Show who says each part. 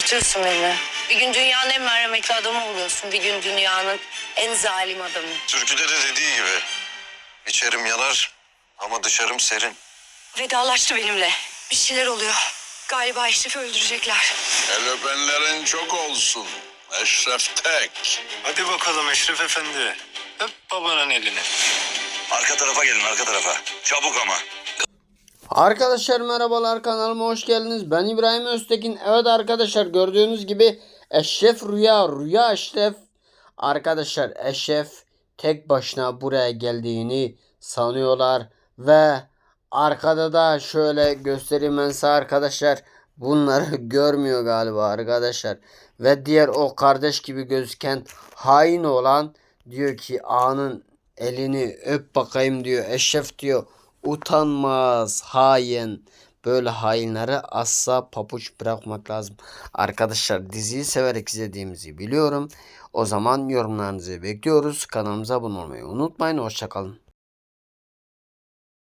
Speaker 1: korkutuyorsun beni. Bir gün dünyanın en merhametli adamı oluyorsun. Bir gün dünyanın en zalim adamı.
Speaker 2: Türküde de dediği gibi. İçerim yanar ama dışarım serin.
Speaker 1: Vedalaştı benimle. Bir şeyler oluyor. Galiba Eşref'i öldürecekler.
Speaker 3: El öpenlerin çok olsun. Eşref tek.
Speaker 2: Hadi bakalım Eşref Efendi. Öp babanın elini. Arka tarafa gelin, arka tarafa. Çabuk ama.
Speaker 4: Arkadaşlar merhabalar, kanalıma hoş geldiniz. Ben İbrahim Öztekin. Evet arkadaşlar, gördüğünüz gibi Eşref Rüya Eşref. Arkadaşlar Eşref tek başına buraya geldiğini sanıyorlar ve arkada da şöyle göstereyim ben size arkadaşlar. Bunları görmüyor galiba arkadaşlar. Ve diğer o kardeş gibi gözüken hain olan diyor ki ağanın elini öp bakayım diyor. Eşref diyor utanmaz hain. Böyle hainlere asla papuç bırakmak lazım. Arkadaşlar diziyi severek izlediğimizi biliyorum. O zaman yorumlarınızı bekliyoruz. Kanalımıza abone olmayı unutmayın. Hoşçakalın.